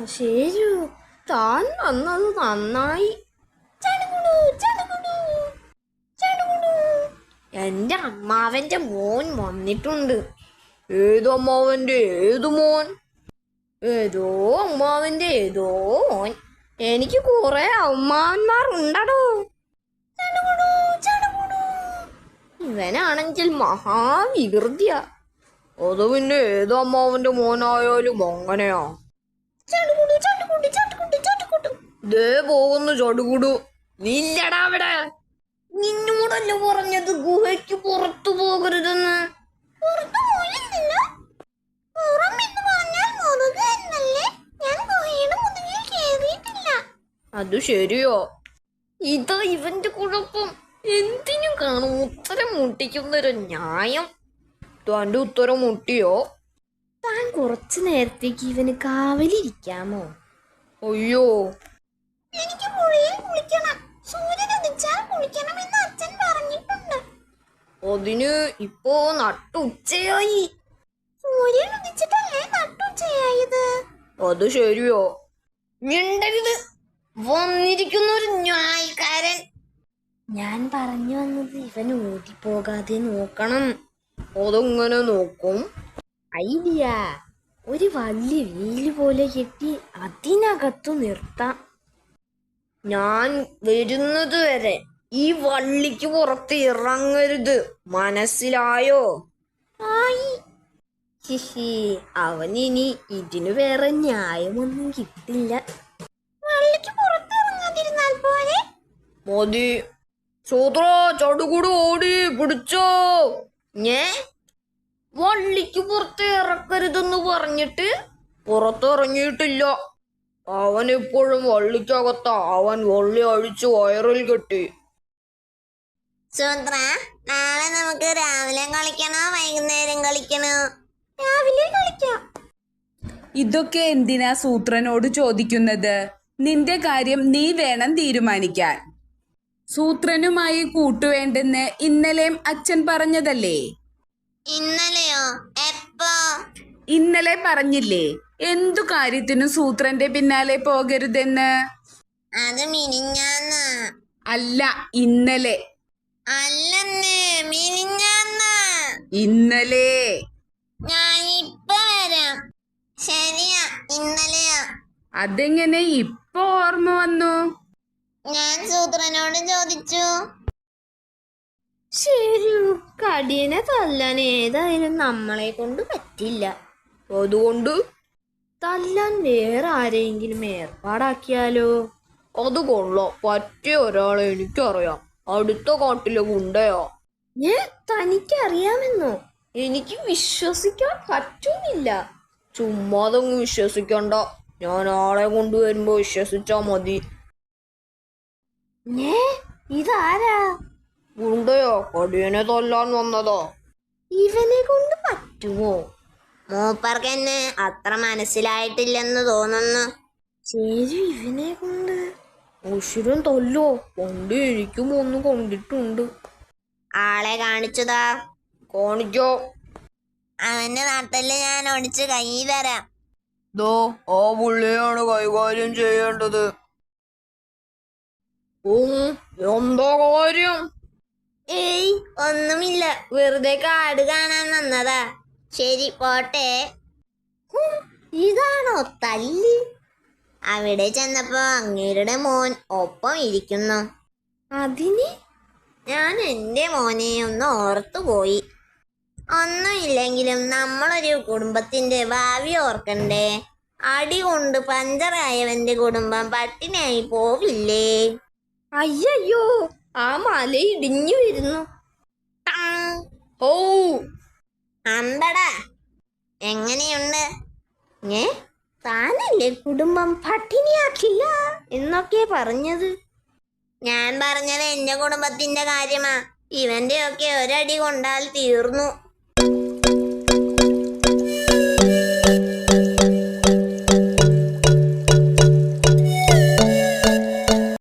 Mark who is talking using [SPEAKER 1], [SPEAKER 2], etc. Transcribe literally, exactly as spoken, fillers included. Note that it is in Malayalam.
[SPEAKER 1] ശരി, താൻ വന്നത് നന്നായി. ചടുകുടു, ചടുകുടു, ചടുകുടു. എന്റെ അമ്മാവന്റെ മോൻ വന്നിട്ടുണ്ട്.
[SPEAKER 2] ഏത് അമ്മാവന്റെ ഏതു മോൻ?
[SPEAKER 1] ഏതോ അമ്മാവന്റെ ഏതോ മോൻ. എനിക്ക് കുറെ അമ്മാവന്മാർ ഉണ്ടടോ. ചടുകുടു, ചടുകുടു. ഇവനാണെങ്കിൽ മഹാവികൃതിയ.
[SPEAKER 2] അത് പിന്നെ ഏത് അമ്മാവന്റെ മോനായാലും അങ്ങനെയാ.
[SPEAKER 1] ചടുകുടു, ചടുകുടു, ചടുകുടു, ചടുകുടു.
[SPEAKER 2] ദേ പോകുന്നു ചടുകുടു.
[SPEAKER 1] നില്ലടാ അവിടെ. നിന്നോടല്ലേ പറഞ്ഞത് ഗുഹയ്ക്ക് പുറത്തു പോകരുതെന്ന്? പുറത്തു പോയില്ല. പുറം എന്ന് പറഞ്ഞാൽ മുറുക എന്നല്ലേ? ഞാൻ ഗുഹയുടെ മുതുകിൽ കേറിയിട്ടില്ല.
[SPEAKER 2] അത് ശരിയോ?
[SPEAKER 1] ഇതാ ഇവന്റെ കുഴപ്പം. എന്തിനും കാണും ഉത്തരം മുട്ടിക്കുന്നൊരു ന്യായം.
[SPEAKER 2] തന്റെ ഉത്തരം മുട്ടിയോ?
[SPEAKER 1] താൻ കുറച്ചു നേരത്തേക്ക് ഇവന് കാവലിരിക്കാമോ?
[SPEAKER 2] അയ്യോ,
[SPEAKER 1] എനിക്ക് പുഴയിൽ കുളിക്കണം. സൂര്യൻ ഉദിച്ചാൽ കുളിക്കണമെന്ന് അച്ഛൻ പറഞ്ഞിട്ടുണ്ട്.
[SPEAKER 2] അതിന് ഇപ്പോ നട്ടുച്ചയായി.
[SPEAKER 1] സൂര്യൻ ഉദിച്ചിട്ടല്ലേ നട്ടുച്ചയായത്?
[SPEAKER 2] അത് ശരിയോ?
[SPEAKER 1] മിണ്ടരുത്. വന്നിരിക്കുന്ന ഒരു ന്യായക്കാരൻ. ഞാൻ പറഞ്ഞു വന്നത് ഇവൻ ഓടിപ്പോകാതെ നോക്കണം.
[SPEAKER 2] അതെങ്ങനെ നോക്കും?
[SPEAKER 1] ഐഡിയ. ഒരു വലിയ വീല് പോലെ കെട്ടി അതിനകത്തു നിർത്താം.
[SPEAKER 2] ഞാൻ വരുന്നത് വരെ ഈ വള്ളിക്ക് പുറത്ത് ഇറങ്ങരുത്, മനസ്സിലായോ?
[SPEAKER 1] ആയി. ഹിഹി, അവനിനി ഇതിനു വേറെ ന്യായമൊന്നും കിട്ടില്ല. വള്ളിക്ക് പുറത്ത് ഇറങ്ങാതിരുന്നാൽ പോലെ.
[SPEAKER 2] മതി. സൂത്ര ചടുകുടു ഓടി പിടിച്ചോ.
[SPEAKER 1] ഞേ,
[SPEAKER 2] വള്ളിക്ക് പുറത്ത് ഇറക്കരുതെന്ന് പറഞ്ഞിട്ട് പുറത്തിറങ്ങിയിട്ടില്ല. അവൻ ഇപ്പോഴും വള്ളിക്കകത്ത. അവൻ വള്ളി അഴിച്ചു വയറിൽ കെട്ടി.
[SPEAKER 1] സൂത്ര, നാളെ നമുക്ക് രാവിലെ കളിക്കണോ വൈകുന്നേരം കളിക്കണോ? രാവിലെ കളിക്കാം.
[SPEAKER 3] ഇതൊക്കെ എന്തിനാ സൂത്രനോട് ചോദിക്കുന്നത്? നിന്റെ കാര്യം നീ വേണം തീരുമാനിക്കാൻ. സൂത്രനുമായി കൂട്ടുവേണ്ടെന്ന് ഇന്നലെയും അച്ഛൻ പറഞ്ഞതല്ലേ?
[SPEAKER 1] ഇന്നലെയോ? എപ്പോ?
[SPEAKER 3] ഇന്നലെ പറഞ്ഞില്ലേ എന്തു കാര്യത്തിനും സൂത്രന്റെ പിന്നാലെ പോകരുതെന്ന്?
[SPEAKER 1] അത് മിനിഞ്ഞാന്ന്.
[SPEAKER 3] അല്ല, ഇന്നലെ.
[SPEAKER 1] അല്ലെന്ന്, മിനിഞ്ഞാന്ന്.
[SPEAKER 3] ഇന്നലെ.
[SPEAKER 1] ഞാൻ ഇപ്പൊ വരാം. ശരിയാ, ഇന്നലെയാ.
[SPEAKER 3] അതെങ്ങനെ ഇപ്പൊ ഓർമ്മ വന്നു?
[SPEAKER 1] ഞാൻ സൂത്രനോട് ചോദിച്ചു. ശരി, കടിയനെ തല്ലാൻ ഏതായാലും നമ്മളെ കൊണ്ട് പറ്റില്ല.
[SPEAKER 2] അതുകൊണ്ട്
[SPEAKER 1] തല്ലാൻ വേറെ ആരെയെങ്കിലും ഏർപ്പാടാക്കിയാലോ?
[SPEAKER 2] അത് കൊള്ളാം. പറ്റിയ ഒരാളെ എനിക്കറിയാം. അടുത്ത കാട്ടിലെ ഗുണ്ടയാ.
[SPEAKER 1] ഏ, തനിക്കറിയാമെന്നോ? എനിക്ക് വിശ്വസിക്കാൻ പറ്റുന്നില്ല.
[SPEAKER 2] ചുമ്മാതങ്ങ് വിശ്വസിക്കണ്ട. ഞാൻ ആളെ കൊണ്ടുവരുമ്പോ വിശ്വസിച്ചാ മതി.
[SPEAKER 1] ഏ, ഇതാരാ?
[SPEAKER 2] ഗുണ്ടയോ? കടിയനെ തല്ലാൻ വന്നതാ.
[SPEAKER 1] ഇവനെ കൊണ്ട് പറ്റുമോ? മൂപ്പർക്കെന്നെ അത്ര മനസ്സിലായിട്ടില്ലെന്ന് തോന്നുന്നു. ശരി, ഇവനെ കൊണ്ട്
[SPEAKER 2] ഉഷിരൻ തല്ലോ. പണ്ട് എനിക്കും ഒന്ന് കണ്ടിട്ടുണ്ട്.
[SPEAKER 1] ആളെ കാണിച്ചതാ.
[SPEAKER 2] കാണിക്കോ?
[SPEAKER 1] അവന്റെ നാട്ടില് ഞാൻ ഒടിച്ച് കൈ തരാം.
[SPEAKER 2] ദോ, ആ പുള്ളിയാണ് കൈകാര്യം ചെയ്യേണ്ടത്. ഉം, എന്താ കാര്യം?
[SPEAKER 1] ഏയ്, ഒന്നുമില്ല. വെറുതെ കാട് കാണാൻ വന്നതാ. ശരി, പോട്ടെ. ഹും, ഇതാണോ തല്ല്? അവിടെ ചെന്നപ്പോ അങ്ങേരുടെ മോൻ ഒപ്പം ഇരിക്കുന്നു. അതിന് ഞാൻ എൻ്റെ മോനെ ഒന്ന് ഓർത്തുപോയി. ഒന്നുമില്ലെങ്കിലും നമ്മളൊരു കുടുംബത്തിന്റെ ഭാവി ഓർക്കണ്ടേ? അടി കൊണ്ട് പഞ്ചറായവന്റെ കുടുംബം പട്ടിണിയായി പോവില്ലേ? അയ്യോ, ആ മല ഇടിഞ്ഞു വരുന്നു.
[SPEAKER 2] ഓ,
[SPEAKER 1] അമ്പടാ, എങ്ങനെയുണ്ട്? ഏ, താനല്ലേ കുടുംബം പട്ടിണിയാക്കില്ല എന്നൊക്കെ പറഞ്ഞത്? ഞാൻ പറഞ്ഞത് എന്റെ കുടുംബത്തിന്റെ കാര്യമാ. ഇവന്റെ ഒക്കെ ഒരടി കൊണ്ടാൽ തീർന്നു.